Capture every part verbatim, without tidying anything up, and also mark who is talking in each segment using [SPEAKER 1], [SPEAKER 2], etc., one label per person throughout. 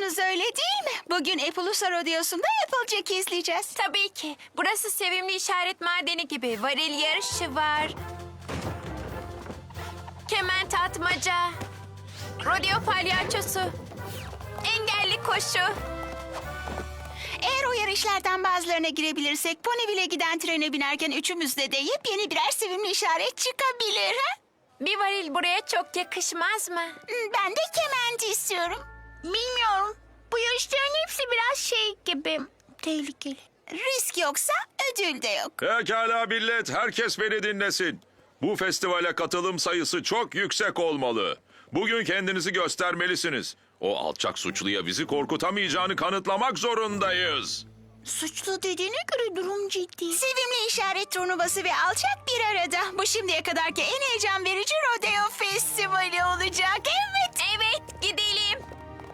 [SPEAKER 1] musunuz öyle değil mi? Bugün Appaloosa Rodeosu'nda Applejack izleyeceğiz.
[SPEAKER 2] Tabii ki. Burası sevimli işaret madeni gibi. Varil yarışı var. Kement atmaca. Rodeo palyaçosu. Engelli koşu.
[SPEAKER 1] Eğer o yarışlardan bazılarına girebilirsek Ponyville'e giden trene binerken üçümüzde de yepyeni birer sevimli işaret çıkabilir. Ha?
[SPEAKER 2] Bir varil buraya çok yakışmaz mı?
[SPEAKER 1] Ben de kement istiyorum. Bilmiyorum. Bu yarışların hepsi biraz şey gibi. Tehlikeli. Risk yoksa ödül de yok.
[SPEAKER 3] Pekala millet, herkes beni dinlesin. Bu festivale katılım sayısı çok yüksek olmalı. Bugün kendinizi göstermelisiniz. O alçak suçluya bizi korkutamayacağını kanıtlamak zorundayız.
[SPEAKER 1] Suçlu dediğine göre durum ciddi. Sevimli işaret turnuvası ve alçak bir arada. Bu şimdiye kadarki en heyecan verici rodeo festivali olacak. Evet.
[SPEAKER 2] Evet, gidelim.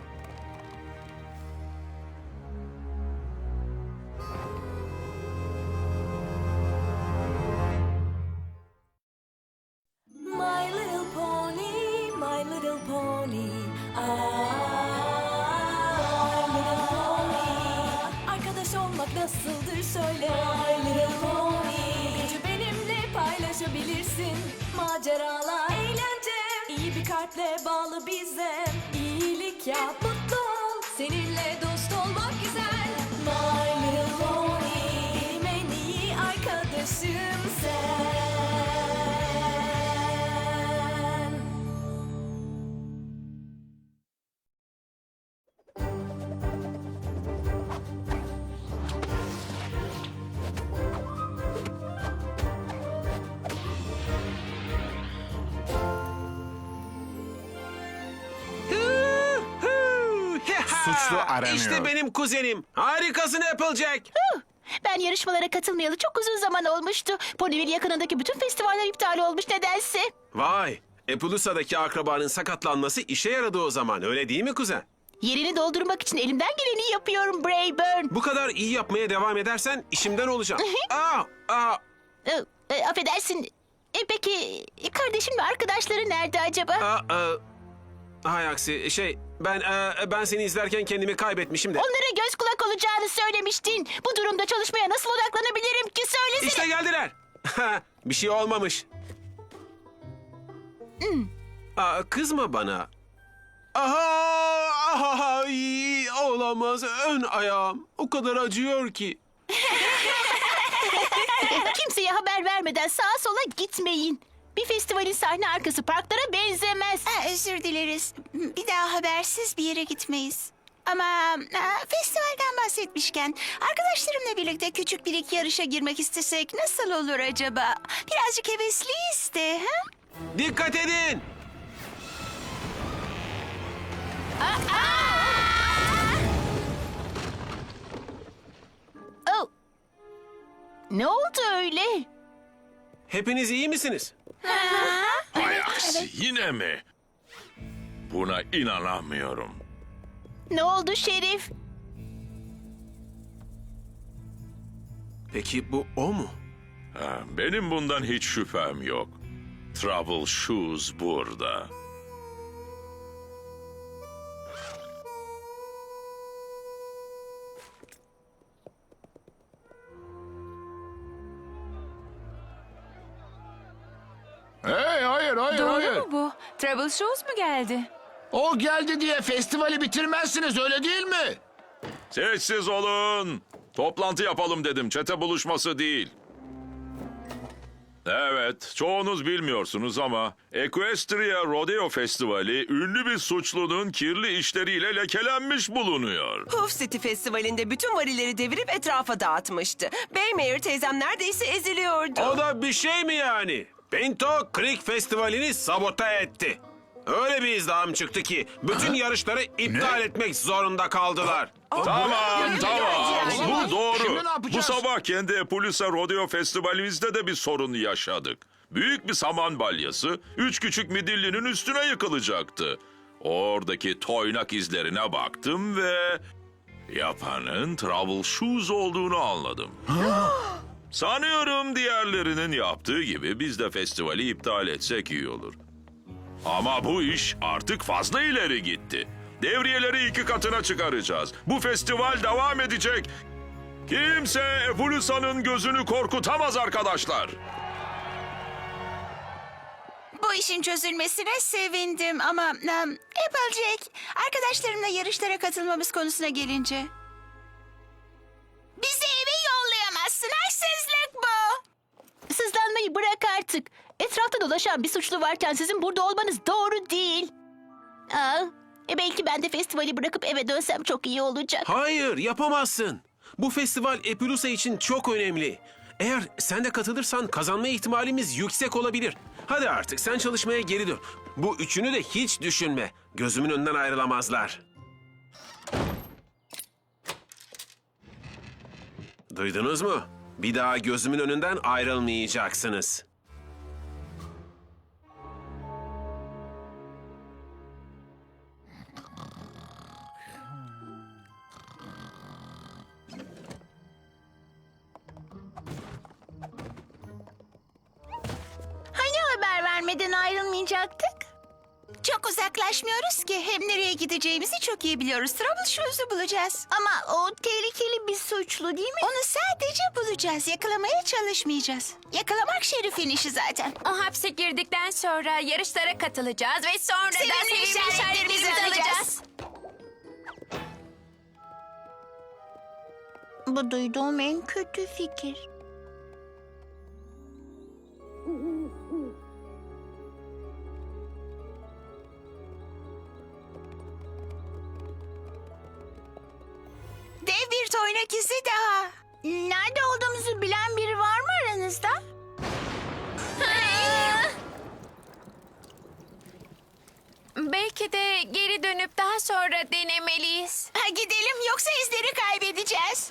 [SPEAKER 4] My little pony, my little pony. Ah, my little pony. Arkadaş olmak nasıldır söyle. My little pony. Gücü benimle paylaşabilirsin. Maceralar, eğlence. İyi bir kalple bağlı bize. İyilik yap, mutlu ol. Seninle dost olmak güzel. My little pony. Benim en iyi arkadaşım sen.
[SPEAKER 5] Suçlu aranıyor.
[SPEAKER 6] İşte benim kuzenim. Harikasın Applejack.
[SPEAKER 1] Ben yarışmalara katılmayalı çok uzun zaman olmuştu. Ponyville yakınındaki bütün festivaller iptal olmuş nedense.
[SPEAKER 6] Vay. Appaloosa'daki akrabanın sakatlanması işe yaradı o zaman. Öyle değil mi kuzen?
[SPEAKER 1] Yerini doldurmak için elimden geleni yapıyorum Brayburn.
[SPEAKER 6] Bu kadar iyi yapmaya devam edersen işimden olacağım. Aa, aa.
[SPEAKER 1] Ee, e, affedersin. E, peki e, kardeşin ve arkadaşları nerede acaba?
[SPEAKER 6] Aa, aa. Hay aksi şey ben e, ben seni izlerken kendimi kaybetmişim de.
[SPEAKER 1] Onlara göz kulak olacağını söylemiştin. Bu durumda çalışmaya nasıl odaklanabilirim ki söylesene.
[SPEAKER 6] İşte geldiler. Bir şey olmamış. Aa, kızma bana. Aha, aha, ay, olamaz. Ön ayağım o kadar acıyor ki.
[SPEAKER 1] Kimseye haber vermeden sağa sola gitmeyin. Bir festivalin sahne arkası parklara benzemez. özür dileriz. Bir daha habersiz bir yere gitmeyiz. Ama ha, festivalden bahsetmişken arkadaşlarımla birlikte küçük bir iki yarışa girmek istesek nasıl olur acaba? Birazcık hevesliyiz de. Ha?
[SPEAKER 6] Dikkat edin.
[SPEAKER 1] Oh. Ne oldu öyle?
[SPEAKER 6] Hepiniz iyi misiniz?
[SPEAKER 3] Hay aksi, yine mi? Buna inanamıyorum.
[SPEAKER 1] Ne oldu Şerif?
[SPEAKER 6] Peki bu o mu?
[SPEAKER 3] Ha, benim bundan hiç şüphem yok. Trouble Shoes burada.
[SPEAKER 5] Hey, hayır, hayır,
[SPEAKER 2] Doğru
[SPEAKER 5] hayır.
[SPEAKER 2] mu bu? Trouble Shoes mu geldi?
[SPEAKER 5] O geldi diye festivali bitirmezsiniz, öyle değil mi?
[SPEAKER 3] Sessiz olun. Toplantı yapalım dedim, çete buluşması değil. Evet, çoğunuz bilmiyorsunuz ama Equestria Rodeo Festivali ünlü bir suçlunun kirli işleriyle lekelenmiş bulunuyor.
[SPEAKER 7] Puff City Festivali'nde bütün varilleri devirip etrafa dağıtmıştı. Baymayer teyzem neredeyse eziliyordu.
[SPEAKER 6] O da bir şey mi yani? Pinto Creek Festivali'ni sabote etti. Öyle bir izdiham çıktı ki bütün yarışları iptal etmek zorunda kaldılar.
[SPEAKER 3] Tamam, tamam.
[SPEAKER 5] yani.
[SPEAKER 3] Bu doğru.
[SPEAKER 5] Şimdi ne
[SPEAKER 3] Bu
[SPEAKER 5] yapacağız?
[SPEAKER 3] sabah kendi Appaloosa Rodeo Festivalimizde de bir sorun yaşadık. Büyük bir saman balyası üç küçük midillinin üstüne yıkılacaktı. Oradaki toynak izlerine baktım ve yapanın Trouble Shoes olduğunu anladım. Sanıyorum diğerlerinin yaptığı gibi biz de festivali iptal etsek iyi olur. Ama bu iş artık fazla ileri gitti. Devriyeleri iki katına çıkaracağız. Bu festival devam edecek. Kimse Epulusa'nın gözünü korkutamaz arkadaşlar.
[SPEAKER 1] Bu işin çözülmesine sevindim ama um, Applejack, arkadaşlarımla yarışlara katılmamız konusuna gelince. Bizi eve yollayamazsın, haksızlık bu. Sızlanmayı bırak artık. Etrafta dolaşan bir suçlu varken sizin burada olmanız doğru değil. Aa, e belki ben de festivali bırakıp eve dönsem çok iyi olacak.
[SPEAKER 6] Hayır, yapamazsın. Bu festival Epulusa için çok önemli. Eğer sen de katılırsan kazanma ihtimalimiz yüksek olabilir. Hadi artık sen çalışmaya geri dön. Bu üçünü de hiç düşünme. Gözümün önünden ayrılamazlar. Duydunuz mu? Bir daha gözümün önünden ayrılmayacaksınız.
[SPEAKER 1] Hani haber vermeden ayrılmayacaktık? Çok uzaklaşmıyoruz ki. Hem nereye gideceğimizi çok iyi biliyoruz. Troubleshoot'u bulacağız. Ama o tehlikeli bir suçlu değil mi? Onu sadece bulacağız. Yakalamaya çalışmayacağız. Yakalamak Şerif'in işi zaten.
[SPEAKER 2] O hapse girdikten sonra yarışlara katılacağız ve sonra da
[SPEAKER 1] Sevimli
[SPEAKER 2] sevimli
[SPEAKER 1] işaretlerimizi
[SPEAKER 2] işaretlerimizi
[SPEAKER 1] alacağız.
[SPEAKER 2] alacağız.
[SPEAKER 1] Bu duyduğum en kötü fikir. Dev bir toynak izi daha. Nerede olduğumuzu bilen biri var mı aranızda?
[SPEAKER 2] Belki de geri dönüp daha sonra denemeliyiz.
[SPEAKER 1] Ha, gidelim yoksa izleri kaybedeceğiz.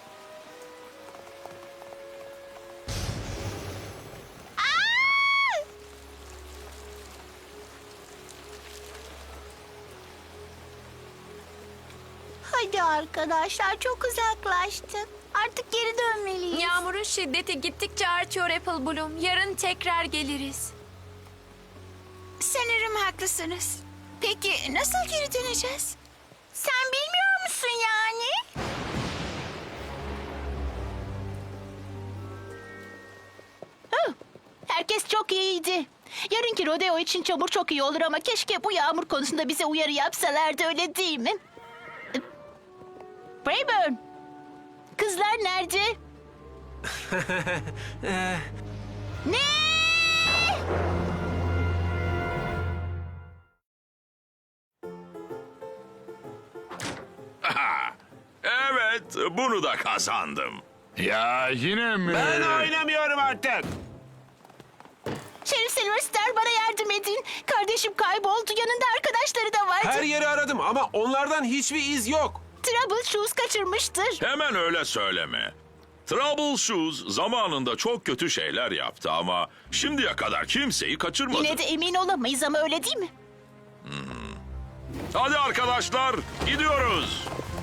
[SPEAKER 1] Aa! Hadi arkadaşlar, çok uzaklaştık. Artık geri dönmeliyiz.
[SPEAKER 2] Yağmurun şiddeti gittikçe artıyor Apple Bloom. Yarın tekrar geliriz.
[SPEAKER 1] Sanırım haklısınız. Peki nasıl geri döneceğiz? Sen bilmiyor musun yani? Hı, herkes çok iyiydi. Yarınki rodeo için çamur çok iyi olur ama keşke bu yağmur konusunda bize uyarı yapsalardı, öyle değil mi? Brayburn, kızlar nerede? Ne?
[SPEAKER 3] Evet, bunu da kazandım.
[SPEAKER 5] Ya yine mi?
[SPEAKER 6] Ben oynamıyorum artık.
[SPEAKER 1] Şerif Silverstar, bana yardım edin. Kardeşim kayboldu. Yanında arkadaşları da vardı.
[SPEAKER 6] Her yeri aradım ama onlardan hiçbir iz yok.
[SPEAKER 1] Troubleshoes kaçırmıştır.
[SPEAKER 3] Hemen öyle söyleme. Troubleshoes zamanında çok kötü şeyler yaptı ama şimdiye kadar kimseyi kaçırmadı.
[SPEAKER 1] Yine de emin olamayız ama öyle değil mi?
[SPEAKER 3] Hadi arkadaşlar, gidiyoruz.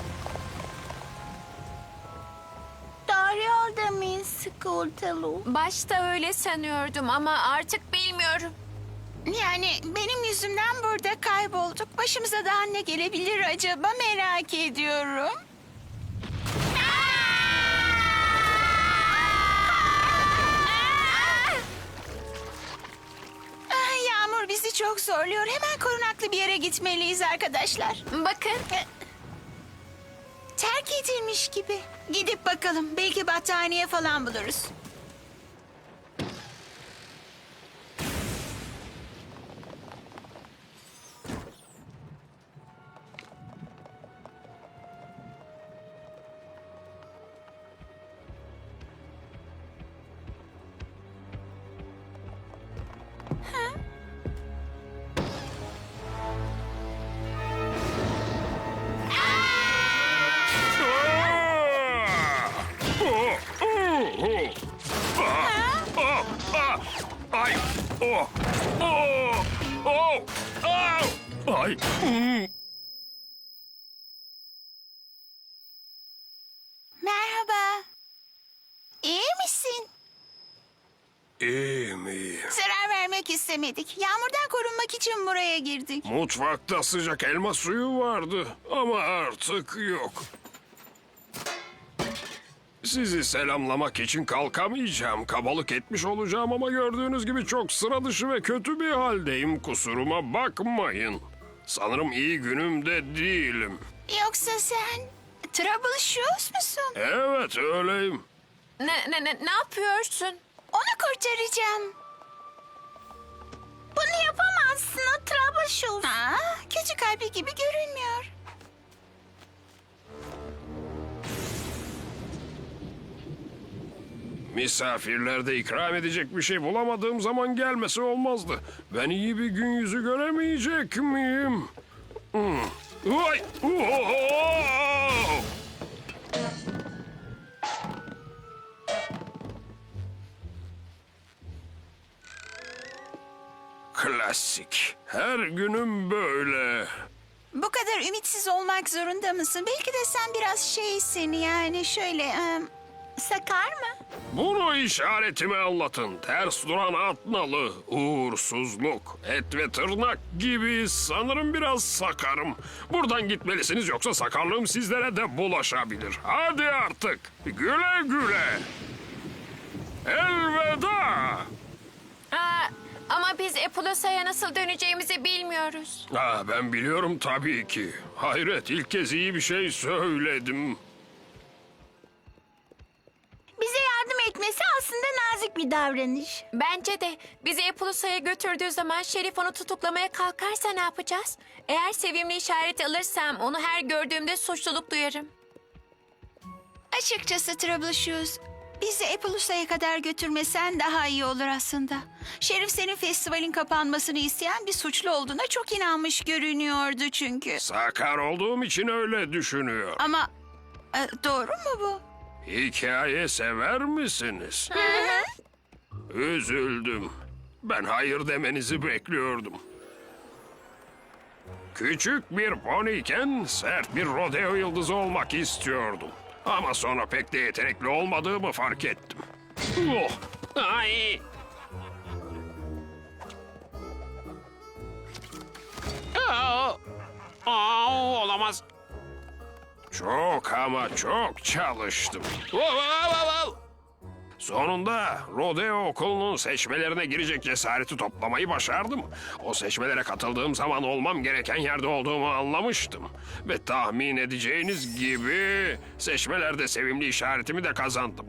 [SPEAKER 1] Doğru yolda mıyız Skultalu?
[SPEAKER 2] Başta öyle sanıyordum ama artık bilmiyorum.
[SPEAKER 1] Yani benim yüzümden burada kaybolduk. Başımıza daha ne gelebilir acaba, merak ediyorum. Ah, Yağmur bizi çok zorluyor. Hemen korunaklı bir yere gitmeliyiz arkadaşlar.
[SPEAKER 2] Bakın.
[SPEAKER 1] Terk edilmiş gibi. Gidip bakalım. Belki battaniye falan buluruz.
[SPEAKER 3] Ay! Oh! Oh! Oh! Au! Ay!
[SPEAKER 1] Merhaba. İyi misin?
[SPEAKER 6] İyi mi?
[SPEAKER 1] Zarar vermek girmek istemedik. Yağmurdan korunmak için buraya girdik.
[SPEAKER 8] Mutfakta sıcak elma suyu vardı ama artık yok. Sizi selamlamak için kalkamayacağım. Kabalık etmiş olacağım ama gördüğünüz gibi çok sıra dışı ve kötü bir haldeyim. Kusuruma bakmayın. Sanırım iyi günümde değilim.
[SPEAKER 1] Yoksa sen Troubleshoes musun?
[SPEAKER 8] Evet öyleyim.
[SPEAKER 2] Ne, ne, ne, ne yapıyorsun?
[SPEAKER 1] Onu kurtaracağım. Bunu yapamazsın, o Troubleshoes. Aa, kötü kalpli gibi görünmüyor.
[SPEAKER 8] Misafirlerde ikram edecek bir şey bulamadığım zaman gelmesi olmazdı. Ben iyi bir gün yüzü göremeyecek miyim? Hmm. Vay! Oho! Klasik. Her günüm böyle.
[SPEAKER 1] Bu kadar ümitsiz olmak zorunda mısın? Belki de sen biraz şeysin, yani şöyle... em, sakar mı?
[SPEAKER 8] Bunu işaretime anlatın. Ters duran at nalı, uğursuzluk, et ve tırnak gibi sanırım biraz sakarım. Buradan gitmelisiniz yoksa sakarlığım sizlere de bulaşabilir. Hadi artık. Güle güle. Elveda.
[SPEAKER 2] Aa, ama biz Epulosa'ya nasıl döneceğimizi bilmiyoruz.
[SPEAKER 8] Ah, ben biliyorum tabii ki. Hayret, ilk kez iyi bir şey söyledim.
[SPEAKER 1] Bize yardım etmesi aslında nazik bir davranış.
[SPEAKER 2] Bence de bizi Epulosa'ya götürdüğü zaman Şerif onu tutuklamaya kalkarsa ne yapacağız? Eğer sevimli işareti alırsam onu her gördüğümde suçluluk duyarım.
[SPEAKER 1] Açıkçası Troubleshoes, bizi Epolusa'ya kadar götürmesen daha iyi olur aslında. Şerif senin festivalin kapanmasını isteyen bir suçlu olduğuna çok inanmış görünüyordu çünkü.
[SPEAKER 8] Sakar olduğum için öyle düşünüyor.
[SPEAKER 1] Ama e, doğru mu bu?
[SPEAKER 8] Hikaye sever misiniz? Üzüldüm. Ben hayır demenizi bekliyordum. Küçük bir poniyken sert bir rodeo yıldızı olmak istiyordum. Ama sonra pek de yetenekli olmadığımı fark ettim. Oh, ay.
[SPEAKER 6] Aa, aa, olamaz.
[SPEAKER 8] Çok ama çok çalıştım. Sonunda rodeo okulunun seçmelerine girecek cesareti toplamayı başardım. O seçmelere katıldığım zaman olmam gereken yerde olduğumu anlamıştım. Ve tahmin edeceğiniz gibi seçmelerde sevimli işaretimi de kazandım.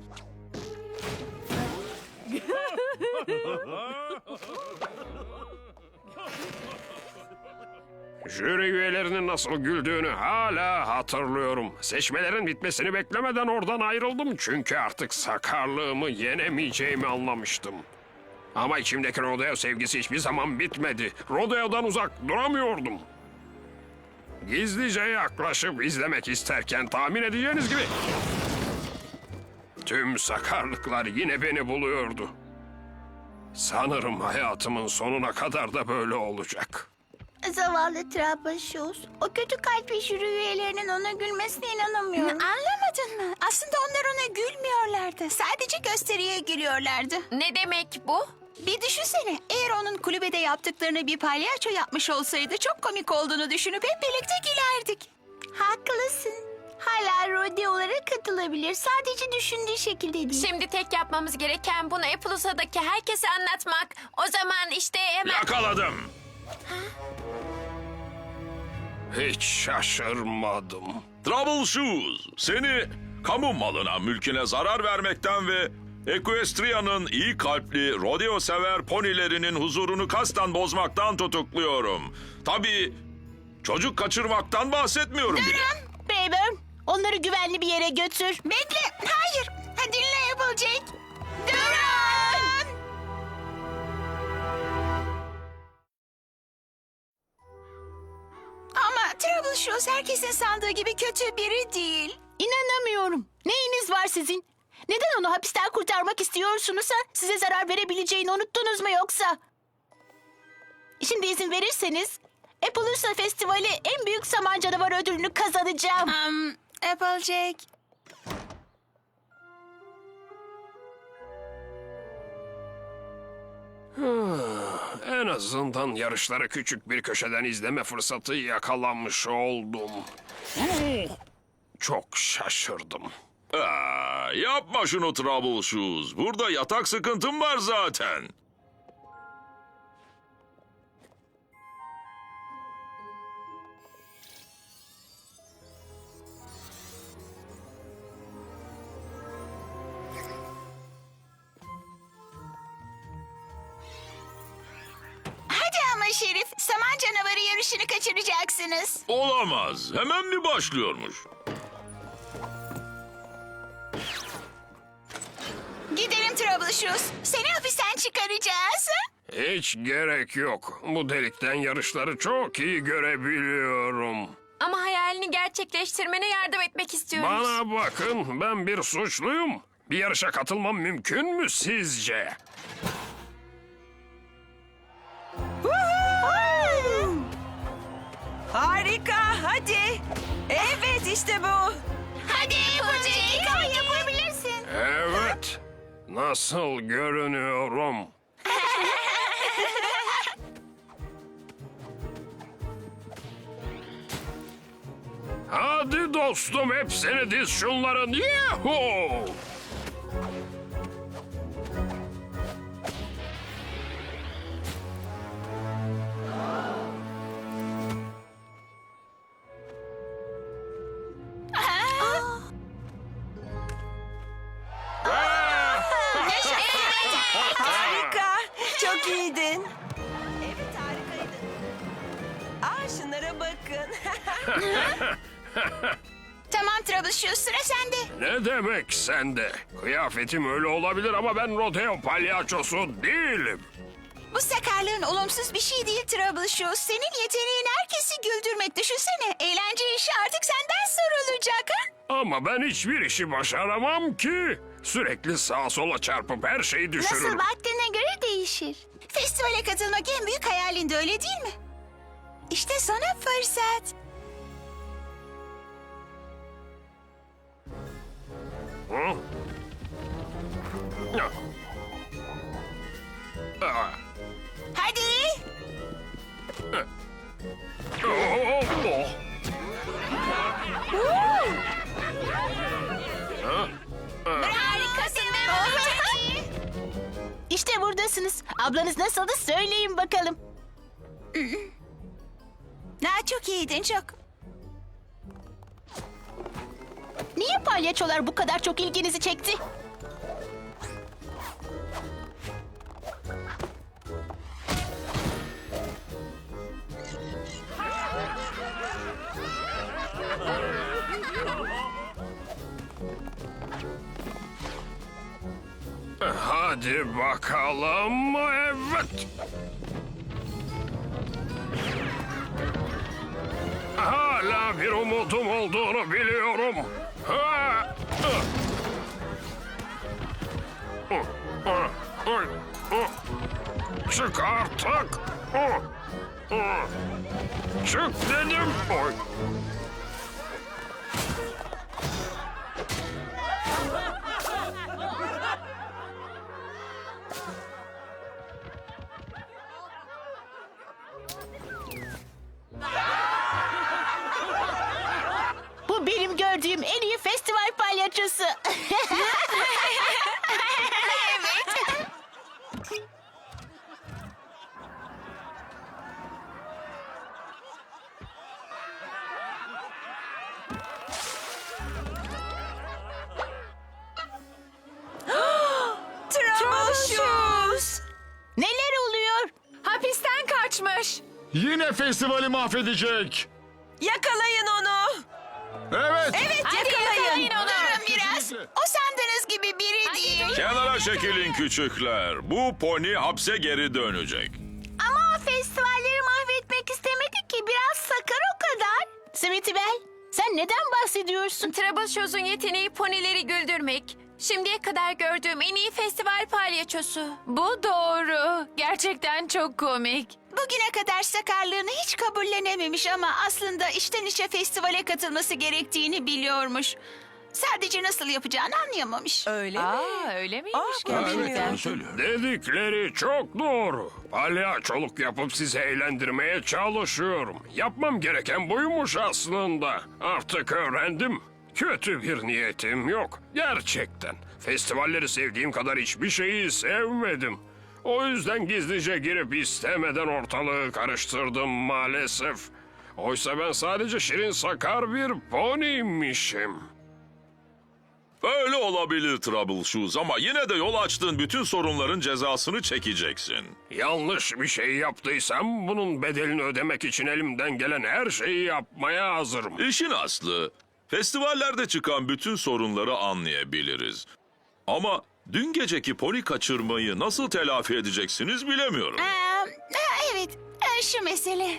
[SPEAKER 8] Jüri üyelerinin nasıl güldüğünü hala hatırlıyorum. Seçmelerin bitmesini beklemeden oradan ayrıldım çünkü artık sakarlığımı yenemeyeceğimi anlamıştım. Ama içimdeki rodeo sevgisi hiçbir zaman bitmedi. Rodeo'dan uzak duramıyordum. Gizlice yaklaşıp izlemek isterken tahmin edeceğiniz gibi... tüm sakarlıklar yine beni buluyordu. Sanırım hayatımın sonuna kadar da böyle olacak.
[SPEAKER 1] Zavallı Troubleshoes. O kötü kalpli jüri üyelerinin ona gülmesine inanamıyorum. Anlamadın mı? Aslında onlar ona gülmüyorlardı. Sadece gösteriye gülüyorlardı.
[SPEAKER 2] Ne demek bu?
[SPEAKER 1] Bir düşünsene. Eğer onun kulübede yaptıklarını bir palyaço yapmış olsaydı çok komik olduğunu düşünüp hep birlikte gülerdik. Haklısın. Hala rodeolara katılabilir. Sadece düşündüğü şekilde değil.
[SPEAKER 2] Şimdi tek yapmamız gereken bunu Epulosa'daki herkese anlatmak. O zaman işte hemen...
[SPEAKER 3] Yakaladım.
[SPEAKER 8] Hiç şaşırmadım.
[SPEAKER 3] Troubleshoes, seni kamu malına, mülküne zarar vermekten ve Equestria'nın iyi kalpli, rodeo sever ponilerinin huzurunu kasten bozmaktan tutukluyorum. Tabii çocuk kaçırmaktan bahsetmiyorum bile.
[SPEAKER 1] Brayburn, onları güvenli bir yere götür. Bekle, hayır. Ha, dinle Applejack. Durun! Ama Troubleshoes herkesin sandığı gibi kötü biri değil. İnanamıyorum. Neyiniz var sizin? Neden onu hapisten kurtarmak istiyorsunuz ha? Size zarar verebileceğini unuttunuz mu yoksa? Şimdi izin verirseniz Appaloosa Festivali en büyük saman canavarı ödülünü kazanacağım. Um, Applejack.
[SPEAKER 8] En azından yarışları küçük bir köşeden izleme fırsatı yakalamış oldum. Uh, Çok şaşırdım.
[SPEAKER 3] Aa, yapma şunu Troubleshoes. Burada yatak sıkıntım var zaten.
[SPEAKER 1] Hadi ama Şerif, saman canavarı yarışını kaçıracaksınız.
[SPEAKER 3] Olamaz. Hemen mi başlıyormuş?
[SPEAKER 1] Gidelim Troubleshoes. Seni hapisten çıkaracağız.
[SPEAKER 8] Hiç gerek yok. Bu delikten yarışları çok iyi görebiliyorum.
[SPEAKER 2] Ama hayalini gerçekleştirmene yardım etmek istiyoruz.
[SPEAKER 8] Bana bakın, ben bir suçluyum. Bir yarışa katılmam mümkün mü sizce?
[SPEAKER 7] Harika, hadi. Evet, işte bu.
[SPEAKER 1] Hadi Fuzzy, yapabilirsin.
[SPEAKER 8] Evet. Nasıl görünüyorum? Hadi dostum, hepsini diz şunların. Yahoo!
[SPEAKER 7] Harika, çok iyiydin. Evet, harikaydın. Aa, şunlara bakın.
[SPEAKER 1] Tamam Troubleshoes, sıra sende.
[SPEAKER 8] Ne demek sende? Kıyafetim öyle olabilir ama ben rodeo palyaçosu değilim.
[SPEAKER 1] Bu sakarlığın olumsuz bir şey değil Troubleshoes. Senin yeteneğin herkesi güldürmek. Düşünsene, eğlence işi artık senden sorulacak ha?
[SPEAKER 8] Ama ben hiçbir işi başaramam ki. Sürekli sağa sola çarpıp her şeyi düşürürüm.
[SPEAKER 1] Nasıl baktığına göre değişir. Festivale katılmak en büyük hayalinde, öyle değil mi? İşte sana fırsat.
[SPEAKER 8] Hı? Ya. Aa.
[SPEAKER 1] Hadi.
[SPEAKER 8] Oh, oh.
[SPEAKER 1] Harikasın be. İşte buradasınız. Ablanız nasıldı söyleyin bakalım. Ha, çok iyiydin, çok. Niye palyaçolar bu kadar çok ilginizi çekti?
[SPEAKER 8] Hadi bakalım. Evet. Hala bir umudum olduğunu biliyorum. Ha! Çık artık. Çık dedim. Oy.
[SPEAKER 1] Bu benim gördüğüm en iyi festival palyaçosu. Evet.
[SPEAKER 7] Troubleshoes.
[SPEAKER 1] Neler oluyor?
[SPEAKER 2] Hapisten kaçmış.
[SPEAKER 5] Yine festivali mahvedecek.
[SPEAKER 7] Yakalayın onu.
[SPEAKER 5] Evet.
[SPEAKER 7] Evet,
[SPEAKER 2] Hadi
[SPEAKER 7] yakalayın.
[SPEAKER 2] yakalayın onu.
[SPEAKER 1] Durun biraz. O sandığınız gibi biri değil.
[SPEAKER 3] Kenara çekilin küçükler. Bu pony hapse geri dönecek.
[SPEAKER 1] Ama festivalleri mahvetmek istemedi ki. Biraz sakar o kadar. Sweetie Belle, sen neden bahsediyorsun?
[SPEAKER 2] Troubleshoes'un yeteneği ponileri güldürmek. Şimdiye kadar gördüğüm en iyi festival palyaçosu. Bu doğru. Gerçekten çok komik.
[SPEAKER 1] Bugüne kadar sakarlığını hiç kabullenememiş ama aslında içten içe festivale katılması gerektiğini biliyormuş. Sadece nasıl yapacağını anlayamamış.
[SPEAKER 7] Öyle mi?
[SPEAKER 2] Aa, öyle miymiş
[SPEAKER 7] Aa,
[SPEAKER 2] gerçekten?
[SPEAKER 3] söylüyor.
[SPEAKER 8] Dedikleri çok doğru. Palyaçoluk yapıp sizi eğlendirmeye çalışıyorum. Yapmam gereken buymuş aslında. Artık öğrendim. Kötü bir niyetim yok. Gerçekten. Festivalleri sevdiğim kadar hiçbir şeyi sevmedim. O yüzden gizlice girip istemeden ortalığı karıştırdım maalesef. Oysa ben sadece şirin sakar bir poniymişim.
[SPEAKER 3] Öyle olabilir Troubleshoes ama yine de yol açtığın bütün sorunların cezasını çekeceksin.
[SPEAKER 8] Yanlış bir şey yaptıysam bunun bedelini ödemek için elimden gelen her şeyi yapmaya hazırım.
[SPEAKER 3] İşin aslı, festivallerde çıkan bütün sorunları anlayabiliriz. Ama dün geceki pony kaçırmayı nasıl telafi edeceksiniz bilemiyorum.
[SPEAKER 1] Aa, ha, evet, e, şu mesele.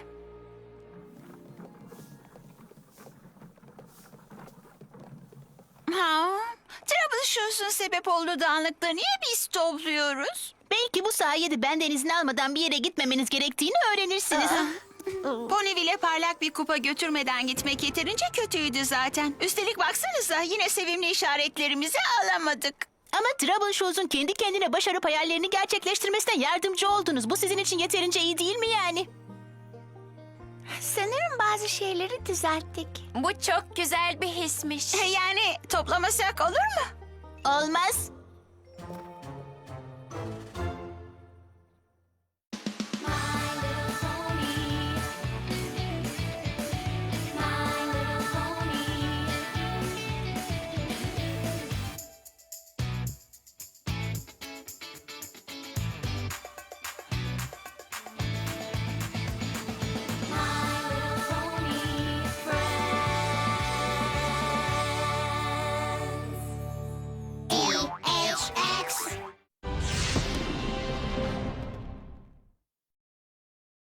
[SPEAKER 1] Ha, Troubleshoes'un sebep olduğu dağınıklığı niye biz topluyoruz?
[SPEAKER 9] Belki bu sayede benden izin almadan bir yere gitmemeniz gerektiğini öğrenirsiniz.
[SPEAKER 1] Ponyville'e parlak bir kupa götürmeden gitmek yeterince kötüydü zaten. Üstelik baksanıza yine sevimli işaretlerimizi alamadık.
[SPEAKER 9] Ama Troubleshoes'un kendi kendine başarıp hayallerini gerçekleştirmesine yardımcı oldunuz. Bu sizin için yeterince iyi değil mi yani?
[SPEAKER 1] Sanırım bazı şeyleri düzelttik.
[SPEAKER 2] Bu çok güzel bir hismiş.
[SPEAKER 1] Yani toplamasak olur mu?
[SPEAKER 9] Olmaz.